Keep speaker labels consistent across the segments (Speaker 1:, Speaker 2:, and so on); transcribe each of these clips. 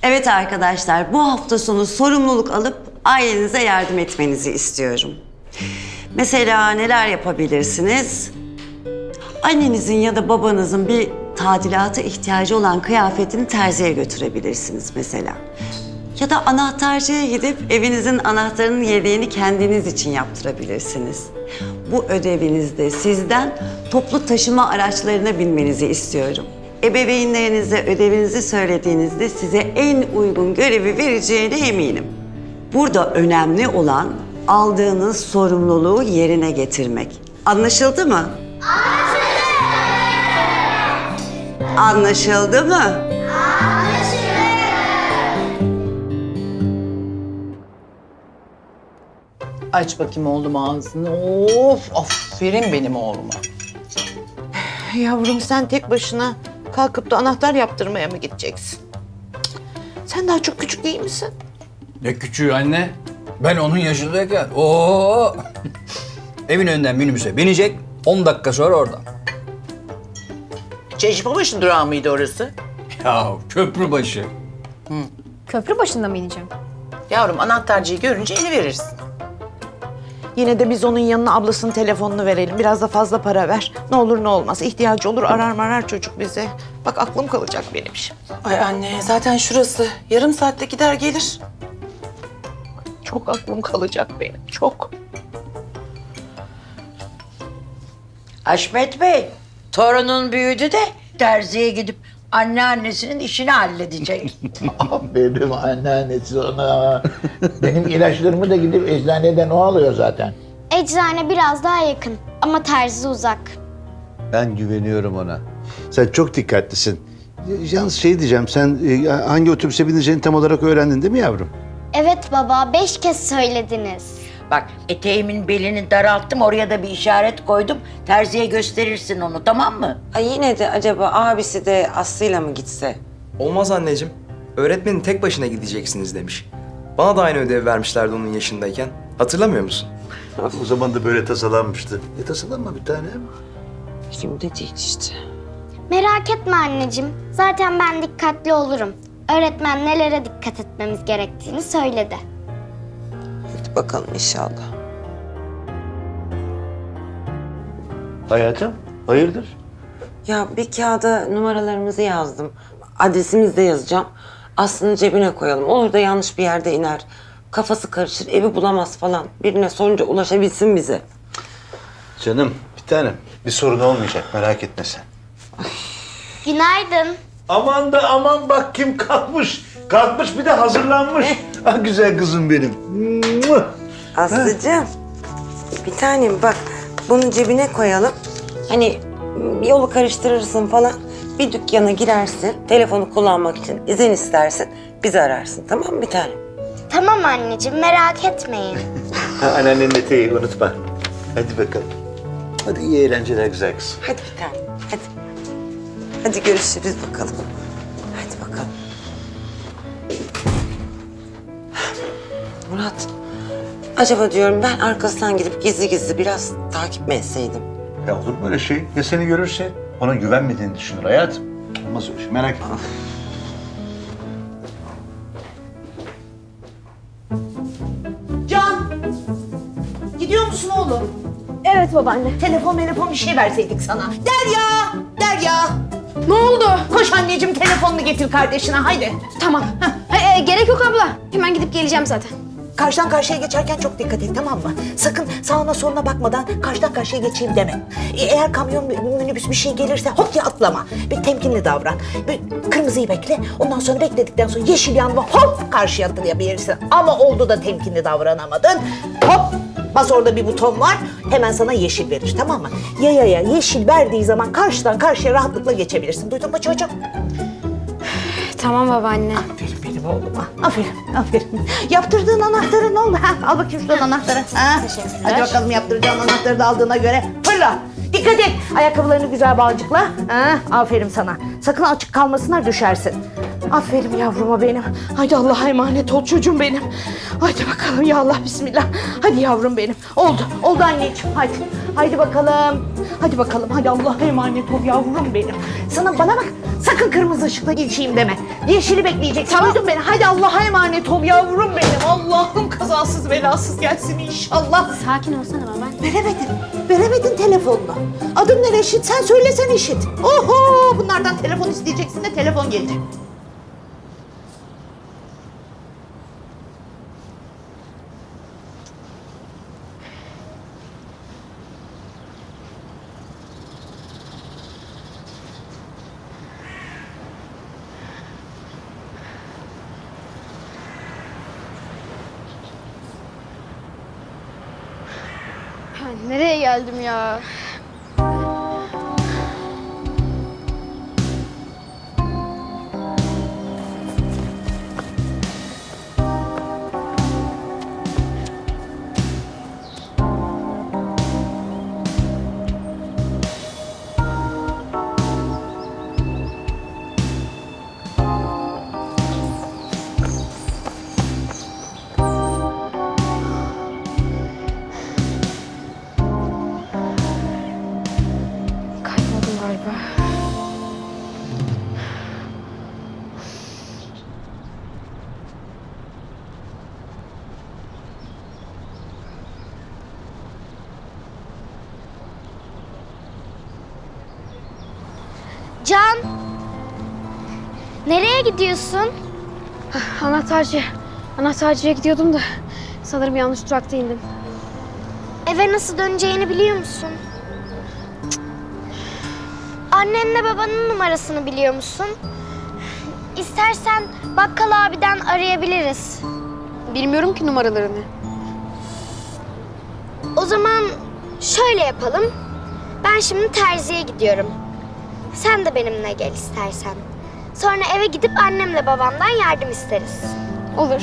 Speaker 1: Evet arkadaşlar, bu hafta sonu sorumluluk alıp ailenize yardım etmenizi istiyorum. Mesela neler yapabilirsiniz? Annenizin ya da babanızın bir tadilata ihtiyacı olan kıyafetini terziye götürebilirsiniz mesela. Ya da anahtarcıya gidip evinizin anahtarının yedeğini kendiniz için yaptırabilirsiniz. Bu ödevinizde sizden toplu taşıma araçlarına binmenizi istiyorum. Ebeveynlerinize ödevinizi söylediğinizde size en uygun görevi vereceğine eminim. Burada önemli olan aldığınız sorumluluğu yerine getirmek. Anlaşıldı mı? Anlaşıldı mı?
Speaker 2: Aç bakayım oğlum ağzını. Of, aferin benim oğluma. Yavrum sen tek başına kalkıp da anahtar yaptırmaya mı gideceksin? Sen daha çok küçük değil misin?
Speaker 3: Ne küçüğü anne? Ben onun yaşındayken. Oo! Evin önünden minibüse binecek, 10 dakika sonra orada.
Speaker 2: Çeşmebaşı durağı mıydı orası?
Speaker 3: Ya köprü başı.
Speaker 4: Köprü başında mı ineceğim?
Speaker 2: Yavrum anahtarcıyı görünce eli verirsin. Yine de biz onun yanına ablasının telefonunu verelim. Biraz da fazla para ver. Ne olur ne olmaz. İhtiyacı olur arar çocuk bize. Bak aklım kalacak benim şimdi.
Speaker 5: Ay anne zaten şurası. Yarım saatte gider gelir.
Speaker 2: Çok aklım kalacak benim. Çok.
Speaker 6: Haşmet Bey, torunun büyüdü de terziye gidip anneannesinin işini halledecek.
Speaker 7: Benim anneannesi ona. Benim ilaçlarımı da gidip eczaneden o alıyor zaten.
Speaker 8: Eczane biraz daha yakın ama terzi uzak.
Speaker 9: Ben güveniyorum ona. Sen çok dikkatlisin. Yalnız şey diyeceğim, sen hangi otobüse bineceğini tam olarak öğrendin değil mi yavrum?
Speaker 8: Evet baba, 5 kez söylediniz.
Speaker 6: Bak eteğimin belini daralttım, oraya da bir işaret koydum. Terziye gösterirsin onu, tamam mı?
Speaker 1: Ay yine de acaba abisi de Aslı'yla mı gitse?
Speaker 10: Olmaz anneciğim. Öğretmenin tek başına gideceksiniz demiş. Bana da aynı ödev vermişlerdi onun yaşındayken. Hatırlamıyor musun?
Speaker 9: O zaman da böyle tasalanmıştı. Tasalanma bir tanem.
Speaker 1: Şimdi değil işte.
Speaker 8: Merak etme anneciğim, zaten ben dikkatli olurum. Öğretmen nelere dikkat etmemiz gerektiğini söyledi.
Speaker 1: Hadi bakalım inşallah.
Speaker 9: Hayatım, hayırdır?
Speaker 1: Ya bir kağıda numaralarımızı yazdım. Adresimizi de yazacağım. Aslı'nın cebine koyalım. Olur da yanlış bir yerde iner. Kafası karışır, evi bulamaz falan. Birine sorunca ulaşabilsin bize.
Speaker 9: Canım, bir tanem. Bir sorun olmayacak, merak etme sen.
Speaker 8: Günaydın.
Speaker 9: Aman da aman bak kim kalkmış. Kalkmış bir de hazırlanmış. Ah güzel kızım benim.
Speaker 1: Aslıcığım, bir tanem bak bunu cebine koyalım. Hani yolu karıştırırsın falan. Bir dükkana girersin, telefonu kullanmak için izin istersin. Bizi ararsın, tamam mı bir tanem?
Speaker 8: Tamam anneciğim, merak etmeyin.
Speaker 9: Anneannenin eteği unutma. Hadi bakalım. Hadi iyi eğlenceler güzel kızım.
Speaker 1: Hadi bir tanem, hadi. Hadi görüşürüz bakalım. Hadi bakalım. Murat, acaba diyorum ben arkasından gidip gizli gizli biraz takip mi etseydim?
Speaker 9: Ya olur mu öyle şey? Ya seni görürse? Ona güvenmediğini düşünür hayatım. Olmaz öyle şey, merak etme.
Speaker 2: Can! Gidiyor musun oğlum?
Speaker 4: Evet babaanne.
Speaker 2: Telefon bir şey verseydik sana. Derya!
Speaker 4: Ne oldu?
Speaker 2: Koş anneciğim telefonunu getir kardeşine haydi.
Speaker 4: Tamam. Gerek yok abla. Hemen gidip geleceğim zaten.
Speaker 2: Karşıdan karşıya geçerken çok dikkat et tamam mı? Sakın sağına soluna bakmadan karşıdan karşıya geçeyim deme. Eğer kamyon, minibüs bir şey gelirse hop diye atlama. Bir temkinli davran. Bir kırmızıyı bekle. Ondan sonra bekledikten sonra yeşil yanma hop karşıya atlayabilirsin. Ama oldu da temkinli davranamadın. Hop bas orada bir buton var. Hemen sana yeşil verir tamam mı? Yayaya yeşil verdiği zaman karşıdan karşıya rahatlıkla geçebilirsin. Duydun mu çocuğum?
Speaker 4: Tamam babaanne.
Speaker 2: Aferin benim oğluma. Aferin. Yaptırdığın anahtarı ne oldu? Ha, al bakayım şuradan anahtarı. Ha?
Speaker 4: Teşekkürler.
Speaker 2: Hadi bakalım yaptıracağın anahtarı da aldığına göre fırla. Dikkat et. Ayakkabılarını güzel bağcıkla. Ha? Aferin sana. Sakın açık kalmasınlar düşersin. Aferin yavruma benim. Haydi Allah'a emanet ol çocuğum benim. Haydi bakalım ya Allah bismillah. Hadi yavrum benim. Oldu. Oldu anneciğim. Haydi. Haydi bakalım. Hadi bakalım. Hadi Allah'a emanet ol yavrum benim. Sana bana bak. Sakın kırmızı ışıkla geçeyim deme. Yeşili bekleyeceksin. Duydun beni. Hadi Allah'a emanet ol yavrum benim. Allah'ım kazasız belasız gelsin inşallah.
Speaker 4: Sakin olsana baba.
Speaker 2: Veremedin telefonunu. Adım ne Reşit? Sen söylesen işit. Oho! Bunlardan telefon isteyeceksin de telefon gelecek.
Speaker 4: Nereye geldim ya? Kayboldum galiba.
Speaker 8: Can! Nereye gidiyorsun?
Speaker 4: Anahtarcıya gidiyordum da sanırım yanlış durakta indim.
Speaker 8: Eve nasıl döneceğini biliyor musun? Cık. Annenle babanın numarasını biliyor musun? İstersen bakkal abiden arayabiliriz.
Speaker 4: Bilmiyorum ki numaralarını.
Speaker 8: O zaman şöyle yapalım. Ben şimdi terziye gidiyorum. Sen de benimle gel istersen. Sonra eve gidip annemle babamdan yardım isteriz.
Speaker 4: Olur.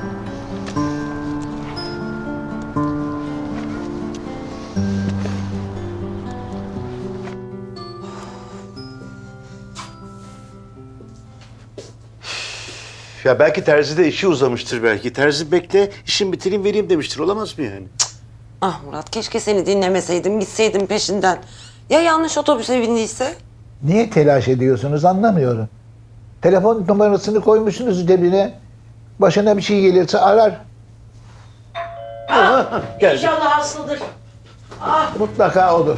Speaker 9: Ya belki terzide işi uzamıştır belki. Terzi bekle, işimi bitireyim vereyim demiştir. Olamaz mı yani?
Speaker 1: Ah Murat, keşke seni dinlemeseydim, gitseydim peşinden. Ya yanlış otobüse bindiyse?
Speaker 7: Niye telaş ediyorsunuz anlamıyorum. Telefon numarasını koymuşsunuz cebine. Başına bir şey gelirse arar.
Speaker 9: Geldi.
Speaker 2: İnşallah aslıdır.
Speaker 7: Mutlaka olur.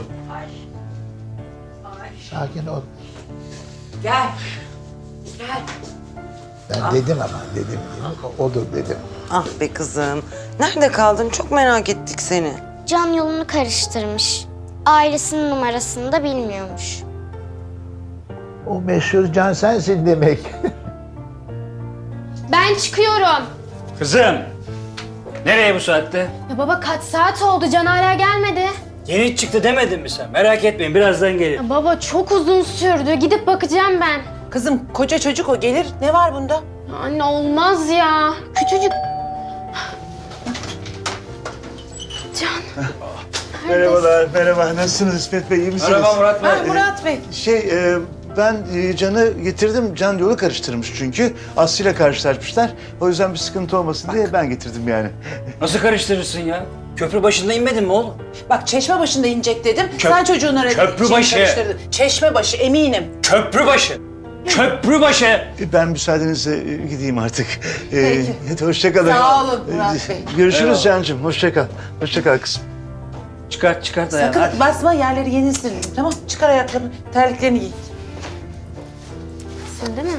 Speaker 7: Sakin ol.
Speaker 2: Gel.
Speaker 7: Ben dedim ama dedim. Odur dedim.
Speaker 1: Ah be kızım, nerede kaldın? Çok merak ettik seni.
Speaker 8: Can yolunu karıştırmış. Ailesinin numarasını da bilmiyormuş.
Speaker 7: O meşhur Can sensin demek.
Speaker 4: Ben çıkıyorum.
Speaker 3: Kızım, nereye bu saatte?
Speaker 4: Ya baba kaç saat oldu? Can hala gelmedi.
Speaker 11: Yeni çıktı demedin mi sen? Merak etmeyin birazdan gelir.
Speaker 4: Ya baba çok uzun sürdü. Gidip bakacağım ben.
Speaker 5: Kızım koca çocuk o gelir. Ne var bunda?
Speaker 4: Ya anne olmaz ya. Küçücük. Can.
Speaker 9: Merhabalar, merhaba. Nasılsınız İsmet Bey, iyi misiniz?
Speaker 3: Merhaba Murat Bey.
Speaker 5: Ha, Murat Bey.
Speaker 9: Ben Can'ı getirdim. Can yolu karıştırmış çünkü. Aslı'yla karşılaşmışlar. O yüzden bir sıkıntı olmasın diye ben getirdim yani.
Speaker 11: Nasıl karıştırırsın ya? Köprü başında inmedin mi oğlum?
Speaker 5: Bak çeşme başında inecek dedim. Sen çocuğun
Speaker 11: Köprübaşı.
Speaker 5: Çeşme başı eminim.
Speaker 11: Köprübaşı! Köprübaşı!
Speaker 9: Ben müsaadenizle gideyim artık.
Speaker 5: Peki.
Speaker 9: Hadi hoşça kalın.
Speaker 5: Sağ olun Murat Bey.
Speaker 9: Görüşürüz Can'cığım. Hoşça kal. Hoşça kal kızım.
Speaker 11: Çıkart ayağını.
Speaker 5: Sakın
Speaker 11: hadi.
Speaker 5: basma yerleri yeni sildim tamam. Çıkar ayaklarını, terliklerini giy.
Speaker 4: Sen değil mi?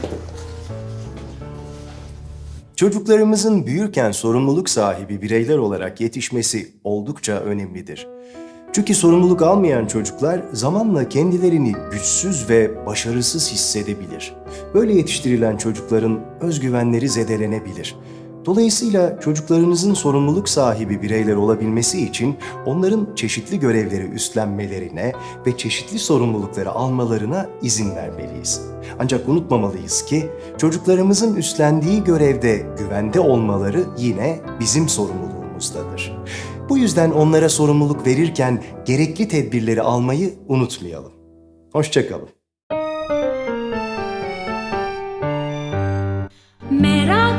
Speaker 12: Çocuklarımızın büyürken sorumluluk sahibi bireyler olarak yetişmesi oldukça önemlidir. Çünkü sorumluluk almayan çocuklar zamanla kendilerini güçsüz ve başarısız hissedebilir. Böyle yetiştirilen çocukların özgüvenleri zedelenebilir. Dolayısıyla çocuklarınızın sorumluluk sahibi bireyler olabilmesi için onların çeşitli görevleri üstlenmelerine ve çeşitli sorumlulukları almalarına izin vermeliyiz. Ancak unutmamalıyız ki çocuklarımızın üstlendiği görevde güvende olmaları yine bizim sorumluluğumuzdadır. Bu yüzden onlara sorumluluk verirken gerekli tedbirleri almayı unutmayalım. Hoşça kalın.
Speaker 13: merak